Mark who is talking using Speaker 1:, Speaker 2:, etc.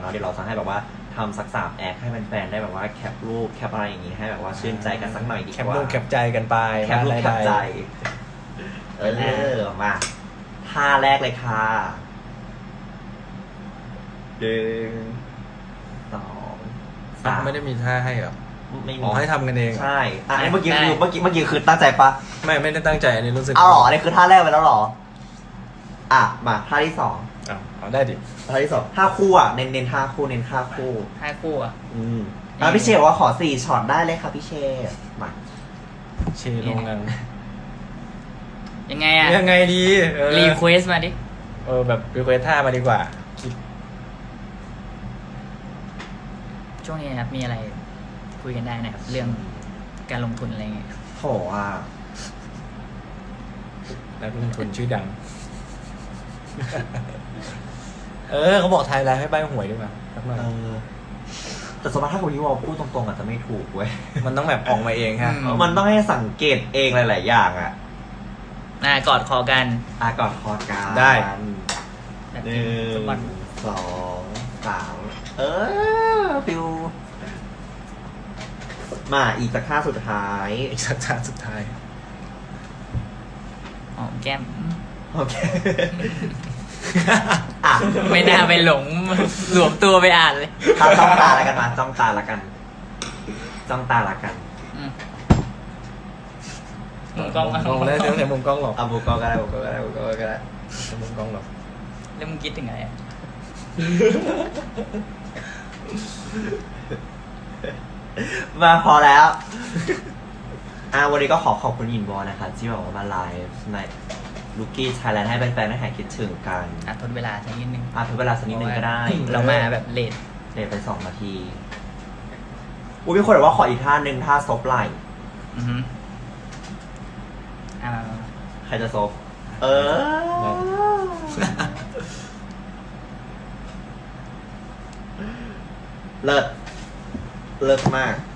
Speaker 1: นาะเดี๋ยวเราจะให้แบบว่าทำสัก3 แอคให้แฟนๆได้แบบว่าแคปรูปแคปอะไรอย่างงี้ให้แบบว่าชื่นใจกันสักหน่อยดีกว่า
Speaker 2: แคปรูปแคปใจกันไป
Speaker 1: แคปรูปแคปใจมาท่าแรกเลยค่ะ1 2 3
Speaker 2: ไม่ได้มีท่าให้เหรอ
Speaker 1: ไม่มี
Speaker 2: อ๋อให้ทำกันเอง
Speaker 1: ใช่อันนี้เมื่อกี้คือตั้งใจปะ
Speaker 2: ไม่ได้ตั้งใจอันนี้รู้สึก
Speaker 1: เอาหรออันนี้คือท่าแรกไปแล้วหรอมาท่าที่2
Speaker 2: เอาได้ดิ
Speaker 1: ท่าที่2ท่าคู่เน้นท่าคู่เน้นท่าคู่
Speaker 3: ห้าคู่อ่ะ
Speaker 1: พี่เชฟบอกว่าขอ4 ช็อตได้เลยค่ะพี่เชฟมา
Speaker 2: เชลงกัน
Speaker 3: ยังไงอ่ะ
Speaker 2: ยังไงดี
Speaker 3: รีเควสมาดิ
Speaker 2: แบบรีเควสท่ามาดีกว่าคิด
Speaker 3: ช่วงนี้นะครับมีอะไรคุยกันได้นะครับ เรื่องการลงทุนอะไรเงี้ย
Speaker 1: โห
Speaker 2: นักลงทุนชื่อดัง เขาบอกไทยแล้วให้ใบหวยดีกว่าสักหน่อย
Speaker 1: แต่สมมติถ้าคุณยูวอลพูดตรงๆอาจจะไม่ถูกเว้ย
Speaker 2: มันต้องแบบออกมาเองฮะ
Speaker 1: มันต้องให้สังเกตเองหลายๆอย่าง
Speaker 3: กอดคอกัน
Speaker 1: ก่อนคอการ
Speaker 2: ได้
Speaker 3: แบบ
Speaker 1: 1
Speaker 3: ฟุตบอล
Speaker 1: 2 3ฟิวมาอีกสักท่าสุดท้าย
Speaker 2: อีกสักท่าสุดท้าย
Speaker 3: หอมแก้ม
Speaker 1: โอเค
Speaker 3: ไม่น่าไปหลงหลวมตัวไปอ่านเลย
Speaker 1: จ้องตาแล้วกันมาจ้องตาแล้วกัน
Speaker 3: มุมกล้อง
Speaker 2: มองได้เดี๋ยวในมุมกล้องหรอก
Speaker 1: บุกก็ได้บุกก็ได้
Speaker 2: ในมุมกล้องหรอก
Speaker 3: แล้วมึงคิดถึงอะไรอ่ะ
Speaker 1: มาพอแล้ว วันนี้ก็ขอบคุณอินวอลนะคะที่บอกว่ามาไลฟ์ในลูกี้ไทยแลนด์ให้แฟนๆได้หายคิดถึงกัน
Speaker 3: ทดเวลาสักนิดนึง
Speaker 1: ทดเวลาสักนิดนึงก็ได้
Speaker 3: เรามาแบบเลท
Speaker 1: เดี๋ยวไป2 นาทีมีคนบอกว่าขออีกท่านึงท่าซบไหล่
Speaker 3: มา
Speaker 1: ใครจะซบเลิศมาก